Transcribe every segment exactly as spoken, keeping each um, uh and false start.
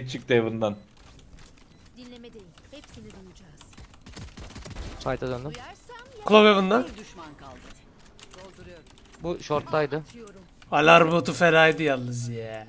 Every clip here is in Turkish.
çıktı evinden. Dinleme değil. Hepsini duyacağız. Site'a döndüm. Clove Heaven'da. Bir düşman kaldı. Dolduruyorum. Bu short'taydı. Alarm botu fenaydı yalnız ya.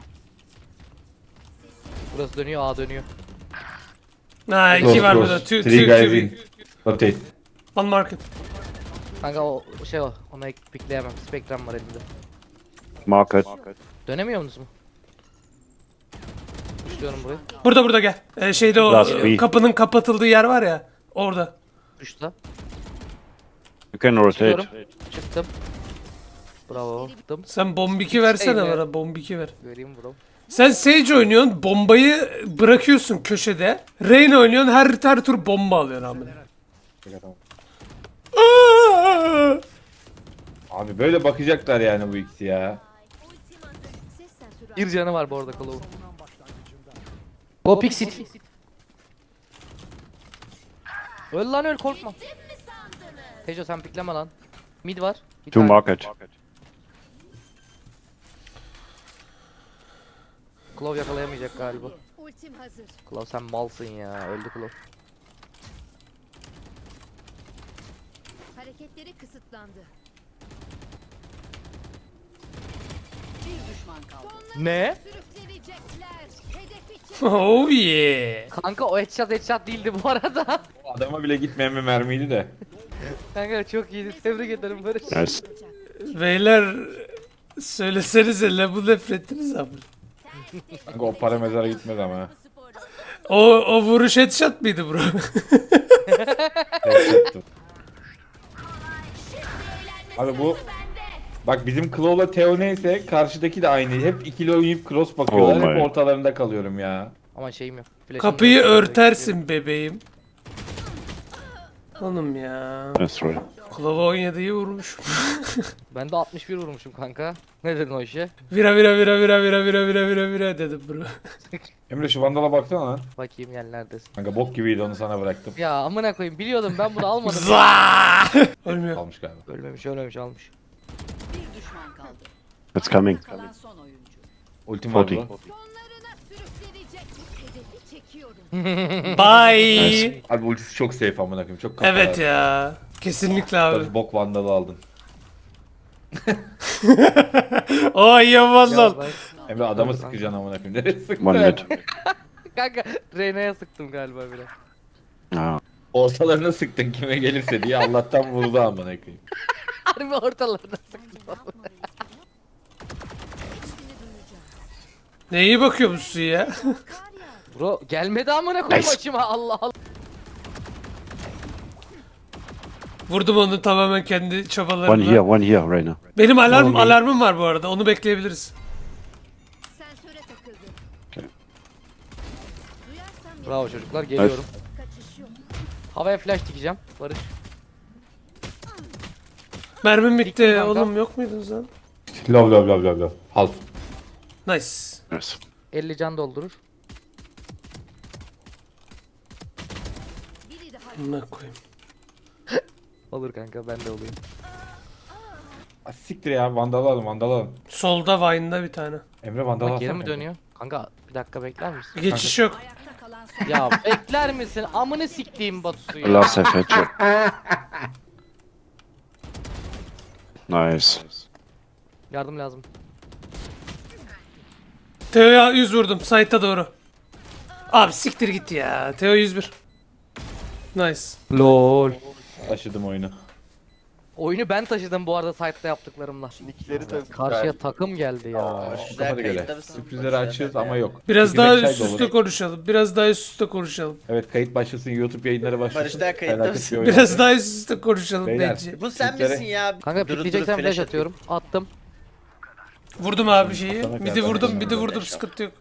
Burası dönüyor, A dönüyor. Ha iki Close, var close. burada. Two, two, Three guys two. in. Rotate. One market. Kanka o şey o. Ona pikleyemem. Spectrum var elimde. Market. Dönemiyor musun? Düşüyorum burayı. Burada burada gel. Ee, şeyde o Last e, week. kapının kapatıldığı yer var ya. Orada. Düştü. You can rotate. Çıkıyorum. Çıktım. Bravo. Çıktım. Sen bombiki versene Şey, bana. Bombiki ver. Göreyim bro. Sen Sage oynuyorsun. Bombayı bırakıyorsun köşede. Reyna oynuyorsun. Her, her tur bomba alıyorsun amına. Aa! Abi böyle bakacaklar yani bu ikisi ya. Ultim hazır. Ses sensörü Bir canı var bu arada Clove'un. Go pick sit. Öl lan öl korkma. Tejo sen pikleme lan. Mid var. Bir Two tane. market. Clove yakalayamayacak galiba. Ultim hazır. Clove sen malsın ya. Öldü Clove. Hareketleri kısıtlandı. Bir düşman kaldı. Ne? Sürüklenecekler. Hedefi çek. Oh yeah. Kanka o headshot headshot değildi bu arada. O adama bile gitmeyen bir mermiydi de. Kanka çok iyiydi. Tebrik ederim Barış. Nice. Beyler söylesenize la bu nefretiniz abi. Kanka o para mezara gitmez ama. O, o vuruş headshot mıydı bro? Headshot'tı. Abi bu bak bizim Claw'la Theo neyse karşıdaki de aynı. Hep ikili oynayıp cross bakıyorlar. Oh Hep my. ortalarında kalıyorum ya. Ama şeyim yok. Flash'ım Kapıyı yok. örtersin bebeğim. Oğlum ya. That's right. Klova on yediyi vurmuş. Ben de altmış bir vurmuşum kanka. Ne dedin o işe? Vira vira vira vira vira vira vira vira vira dedim bro. Emre şu Vandal'a baksana lan. Bakayım gel neredesin? Kanka bok gibiydi onu sana bıraktım. Ya amına koyayım biliyordum ben bunu almadım. Zaa! Ölmüyor. Almış galiba. Ölmemiş ölmemiş almış. Bir düşman kaldı. It's coming. Kalan son oyuncu. Ultim var Forty. lan. Sonlarına sürüklenecek. Hedefi çekiyorum. Bye. Abi ultisi çok safe amına koyayım. Çok kafalar. Evet ya. Kesinlikle abi. Tabii bok Vandal'ı aldın. O iyi vandal. Ya ben- Emre adamı sıkacaksın amına koyayım. Nereye sıktın? One mid. Kanka Reyna'ya sıktım galiba biraz. Ah. Ortalarına sıktın kime gelirse diye Allah'tan vurdu amına koyayım. Harbi ortalarına sıktım. Hepsini duyacağız. Ne iyi bakıyor musun ya? Kar yağdı. Bro gelmedi amına koyayım Nice. açıma Allah Allah. Vurdum onu tamamen kendi One here, çabalarımla. one here, Reyna. Benim alarm Oğlum, alarmım var bu arada. Onu bekleyebiliriz. Sensöre takıldı. Okay. Duyarsam Bravo çocuklar geliyorum. kaçış yok. Havaya flash dikeceğim. Barış. Mermim Diktim bitti. kanka. Oğlum yok muydunuz lan? Love love love love love. Half. Nice. Yes. elli can doldurur. Biri daha Buna koyayım. Olur kanka ben de olayım. Ah, siktir ya Vandal'ı alın Vandal'ı alın. Solda Vine'da bir tane. Emre Vandal'ı Bak alsana. geri mi kanka. dönüyor? Kanka bir dakika bekler misin? Bir geçiş yok. Ayakta kalan son. Ya bekler misin? Amını siktiğim Batu'su ya. Last have headshot. Nice. Yardım lazım. Teo'ya yüz vurdum. Site'a doğru. Abi siktir git ya. Teo yüz bir. Nice. Lol. Taşıdım oyunu. Oyunu ben taşıdım bu arada site'da yaptıklarımla. Nickleri tabii. Karşıya takım geldi ya. Bu kafana göre. Sürprizleri açıyoruz ama yok. Biraz İki daha beş ay üst da üste olur. konuşalım. Biraz daha üst üste konuşalım. Evet kayıt başlasın YouTube yayınları başlasın. Barış daha kayıtta Felaket mısın? bir oyun. Biraz daha üst üste konuşalım Beyler. bence. Bu sen Türklere- misin ya? Kanka Duru duru pikleyeceksen flash atıyor. atıyorum. Attım. Vurdum abi şeyi. Sana Midi kadar vurdum, ben midi de vurdum. yaşam. Sıkıntı yok.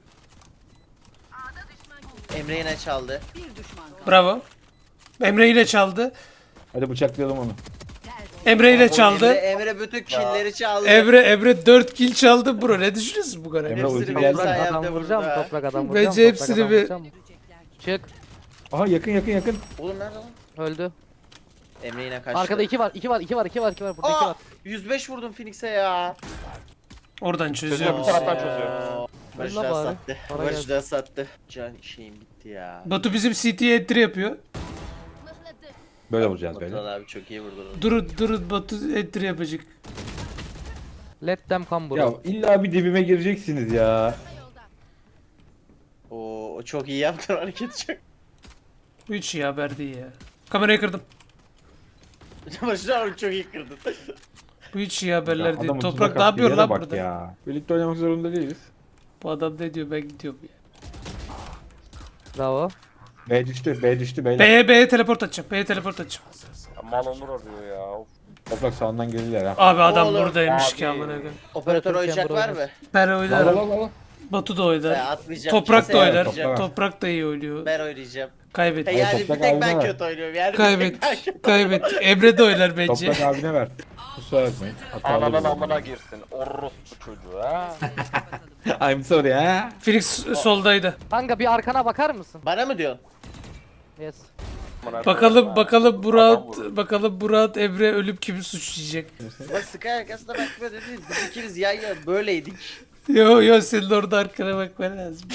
Emre yine çaldı. Bir düşman kaldı. Bravo. Emre ile çaldı. Hadi bıçaklayalım onu. Emre ile Emre, çaldı. Emre bütün killleri çaldı. Emre Emre dört kill çaldı bro. Ne düşünüyorsun bu kadar? Emre Hepsini ulti bir geldi. sen Toprak yaptı adam vuracağım. burada. Toprak adam Bence vuracağım. hepsini toprak adam bir- vuracağım. şey- Çık. Aha yakın yakın yakın. Oğlum nerede lan? Öldü. Emre yine kaçtı. Arkada iki var. iki var. iki var. iki var. iki var. Burada iki Aa! var. yüz beş vurdum Phoenix'e ya. Oradan çözüyor. Çözüyor, bir taraftan çözüyor. Barış Yolla daha bari. sattı. Para Barış gelsin. daha sattı. Can şeyim bitti ya. Batu bizim C T'ye entry yapıyor. Mıhladı. Böyle vuracağız böyle. Batuhan abi çok iyi vurdu. Durun durun Batu entry yapacak. Let them come bro. Ya illa bir dibime gireceksiniz ya. Yolda. Oo, o çok iyi yaptın hareketi çok. Bu hiç iyi haber değil ya. Kamerayı kırdım. Barış abi çok iyi kırdın. Bu hiç iyi haberler değil. Adamın Toprak tuzak ne attığı yapıyor yere lan bak burada? Ya. Birlikte oynamak zorunda değiliz. Bu adam ne diyor, ben gidiyorum ya. Bravo. B düştü, B düştü beyler. B'ye B'ye teleport atacağım. B'ye teleport atacağım. Mal Onur arıyor ya. Of. Toprak sağından gelirler ha. Abi adam Oğlum, buradaymış abi. ki amına koyayım. Operatör Operatör oyuncak chamber var mı? oynar. Ben Al al oynarım. al al. Batu da Ben oynar. atmayacağım. Toprak da kimse oynar. yapmayacak. Toprak. Toprak da iyi oynuyor. Ben oynayacağım. Kaybet. He yani bir Toprak tek abine ben ver. kötü oynuyorum yani. bir Kaybet. tek ben kötü- Kaybet. Emre de oynar bence. Toprak abine ver. Kusura bakmayın. Hatalı Anadan oldu. amına girsin. Orospu çocuğu ha. I'm sorry ha. Felix soldaydı. Kanka bir arkana bakar mısın? Bana mı diyorsun? Yes. Amına Bakalım koyayım bakalım ha. Burak Adam vurur. bakalım Burak Emre ölüp kimi suçlayacak. Bak Sky arkasına bakma dediniz. Biz ikimiz yan yana böyleydik. Yo yo senin orada arkana bakman lazım.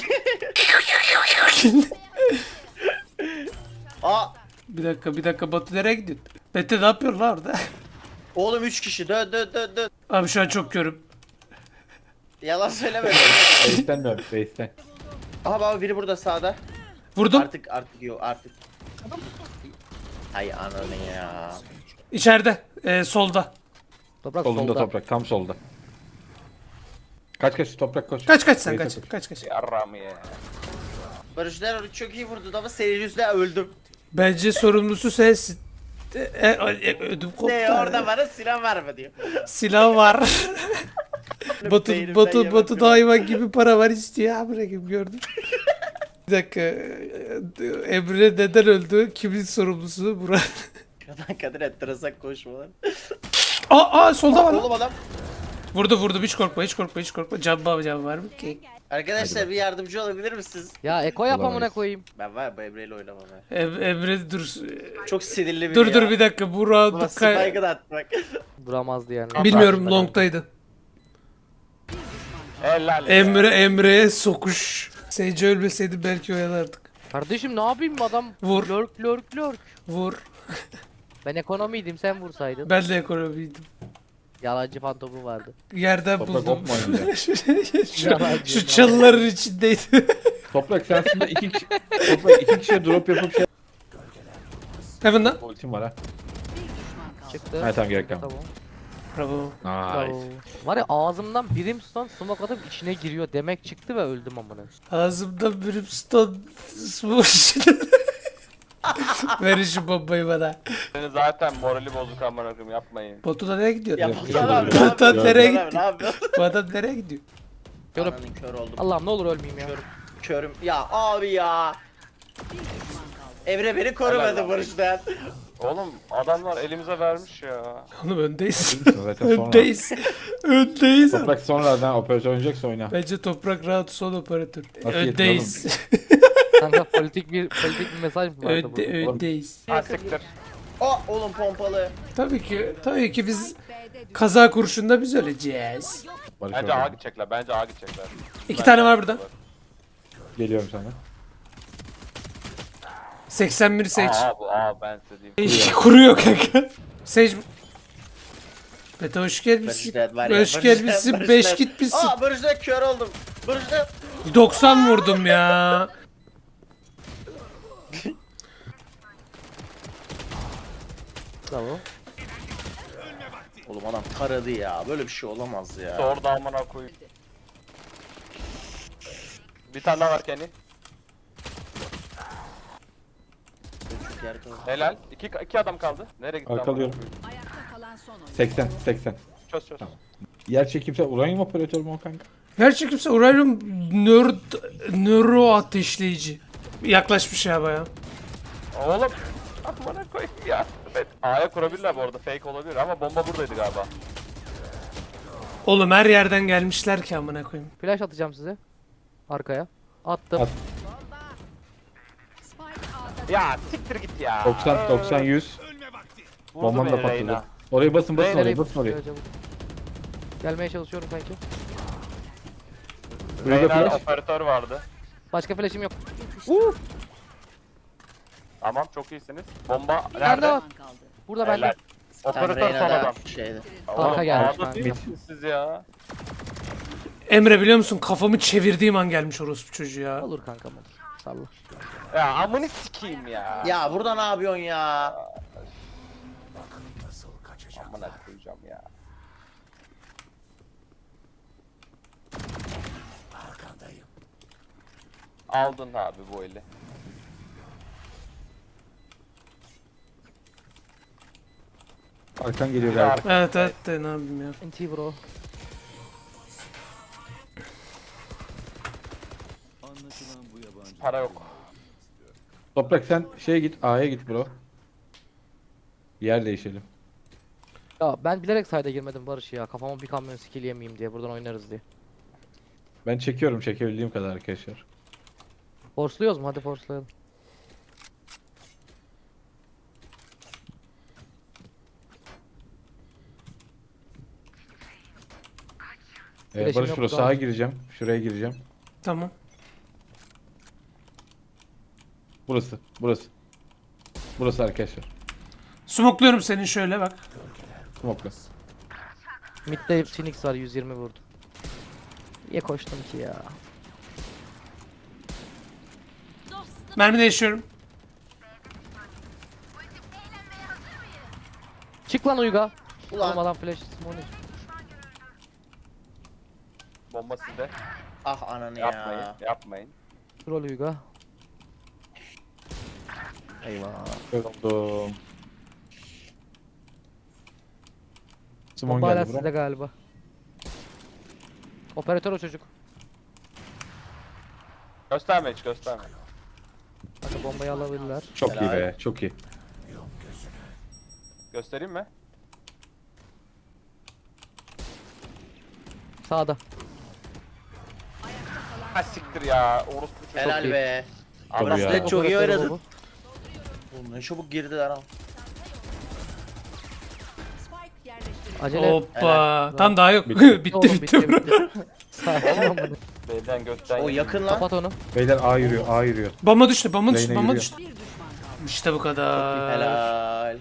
Aa Bir dakika bir dakika Batu nereye gidiyorsun? Mete ne yapıyor lan orada? oğlum üç kişi dön dön dön dön. Abi şu an çok körüm. Yalan söyleme. Base'ten dön, base'ten. Aha baba biri burada sağda. Vurdum. Artık artık yok artık. Ay ananı ya. İçeride. Ee, solda. Toprak Solunda solda. toprak, tam solda. Kaç kaç toprak koş. Kaç kaç sen Base'e kaç. koş. Kaç kaç. Yarram ya. Barış Neroğlu çok iyi vurdu ama senin yüzünden öldüm. Bence sorumlusu sensin. E, e, e, ödüm koptu. Ne orada bana silah verme diyor. Silah var. Batu Beynimden Batu yemek Batu yok. da hayvan gibi para var istiyor. Ha bırakayım gördüm. Bir dakika. Emre neden öldü? Kimin sorumlusu? Burak. Şuradan kadar enteresan koşmalar. Aa, aa solda var lan. Oğlum adam. Vurdu vurdu hiç korkma hiç korkma hiç korkma. Can var can var mı ki? Arkadaşlar bir yardımcı olabilir misiniz? Ya Eko yap amına Olamayız. koyayım. Ben var ya bu Emre'yle oynamam ben. Em- Emre dur. Çok sinirli biri Dur ya. dur bir dakika. Bu Baba round'u kay- spike'ı da atmak. Duramazdı yani. Bilmiyorum long'taydı. Helal ya. Emre Emre'ye sokuş. Sage ölmeseydi belki oyalardık. Kardeşim ne yapayım adam? Vur. Lurk lurk lurk. Vur. Ben ekonomiydim sen vursaydın. Ben de ekonomiydim. Yalancı fantomu vardı. Yerden Toprak buldum. hop mu oynayacak? şu, Yalancı, şu çalıların içindeydi. Toprak sen aslında iki kişi, toprak iki kişiye drop yapıp şey... Heaven'da. Ultim var ha. Çıktı. Ha tamam gerek kalmadı. Tamam. Bravo. Bravo. Nice. Var ya ağzımdan Brimstone smoke atıp içine giriyor demek çıktı ve öldüm amına. Ağzımda brimstone smoke içinde. Verin şu bombayı bana. Senin zaten morali bozuk amına koyayım yapmayın. Batu da nereye gidiyor? Ya Yok, Batuhan abi yok. ne Batuhan yapıyorsun? nereye Batuhan abi, gitti? Ne yapıyorsun? Bu adam nereye gidiyor? Körüm. Ananın kör oldum. Allah'ım ne olur ölmeyeyim ya. Körüm. Ya abi ya. Emre beni korumadı Helal Barış'tan. Oğlum adamlar elimize vermiş ya. Oğlum öndeyiz. Zaten sonra. öndeyiz. öndeyiz. Toprak sonradan operatör oynayacaksa oyna. Bence toprak rahat son operatör. Nasıl Öndeyiz. Kanka politik bir politik bir mesaj mı vardı Önde, burada? öndeyiz. Ha siktir. Oh oğlum pompalı. Tabii ki, tabii ki biz B'de düştü. kaza kurşunda biz öleceğiz. Barış Bence A orada. gidecekler. Bence A gidecekler. İki Bence tane A var burada. gidecekler. Geliyorum sana. seksen bir Sage. Aa bu A ben size diyeyim. Kuruyor kanka. Sage. Beta hoş gelmişsin. Barış'tan var ya. Hoş Barış'tan- gelmişsin. Barış'tan- beş gitmişsin. Aa Barış'tan kör oldum. Barış'tan. doksan vurdum ya. Bravo. Oğlum adam taradı ya. Böyle bir şey olamaz ya. Orada amına koyayım. Bir tane daha var Kenny. Çok yer kaldı. Helal. İki, iki adam kaldı. Nereye gitti amına Arkalıyorum. koyayım? Ayakta kalan son oyuncu. seksen seksen. Çöz çöz. Yer çekimse uranyum operatör mü o kanka? Gerçekimse uranyum nöro, nöro ateşleyici. Yaklaşmış ya baya. Oğlum. Amına koyayım ya. Evet. A'ya kurabilirler bu arada. Fake olabilir ama bomba buradaydı galiba. Oğlum her yerden gelmişler ki amına koyayım. Flash atacağım size. Arkaya. Attım. At. Spike A'da Ya siktir git ya. doksan doksan yüz. Vurdu Bombam da beni patladı. Reyna. Orayı basın basın Nereye orayı basın orayı. Gelmeye çalışıyorum kanki. Burada Reyna flash. operatör vardı. Başka flash'im yok. Tamam çok iyisiniz. Bomba Nerede nerede? var? kaldı. Burada Helal. bende. Tam Operatör son Reyna'da adam. şeydi. Arka gelmiş Ağda kanka. değil misiniz siz ya? Emre biliyor musun kafamı çevirdiğim an gelmiş orospu çocuğu ya. Olur kankam olur. Salla. Ya amını sikeyim ya. Ya burada ne yapıyorsun ya? Amına koyacağım ya. Aldın abi bu eli. Arkan geliyor galiba. Evet evet de ne yapayım ya. N T bro. Para yok. Toprak sen şeye git, A'ya git bro. Yer değişelim. Ya ben bilerek sayda girmedim Barış ya. Kafama bir kamyon skill yemeyeyim diye. Buradan oynarız diye. Ben çekiyorum çekebildiğim kadar arkadaşlar. Force'luyoruz mu? Hadi force'layalım. Ee, Flash'im Barış yok bro daha. sağa gireceğim. Şuraya gireceğim. Tamam. Burası, burası. Burası arkadaşlar. Smokluyorum senin şöyle bak. Smoke'la. Mid'de Phoenix var yüz yirmi vurdum. Niye koştum ki ya? Mermi değişiyorum. Çık lan Uyga. Ulan. Oğlum adam flash smoke. Bomba sizde. Ah ananı Yapmayın. ya. Yapmayın. Troll Uyga. Eyvah. Öldüm. Simon Bomba hala geldi bro. sizde galiba. Operatör o çocuk. Gösterme hiç gösterme. Hadi bombayı alabilirler. Çok iyi Helal. be, çok iyi. Göstereyim mi? Sağda. Ha siktir ya. Orospu çocuğu. Helal iyi. be. Tabii ya. Braslet çok iyi Operatör oynadın. bu. Oğlum ne çabuk girdiler ama. Spike yerleştirildi. Acele. Hoppa. Tam daha yok. Bitti. bitti Oğlum, bitti. bro. Sakin ol bunu. B'den gökten. O yedim. yakın lan. Kapat onu. Beyler A yürüyor, A yürüyor. Bomba düştü bomba düştü Reyna bomba yürüyor. düştü. Bir düşman kaldı. İşte bu kadar. Helal.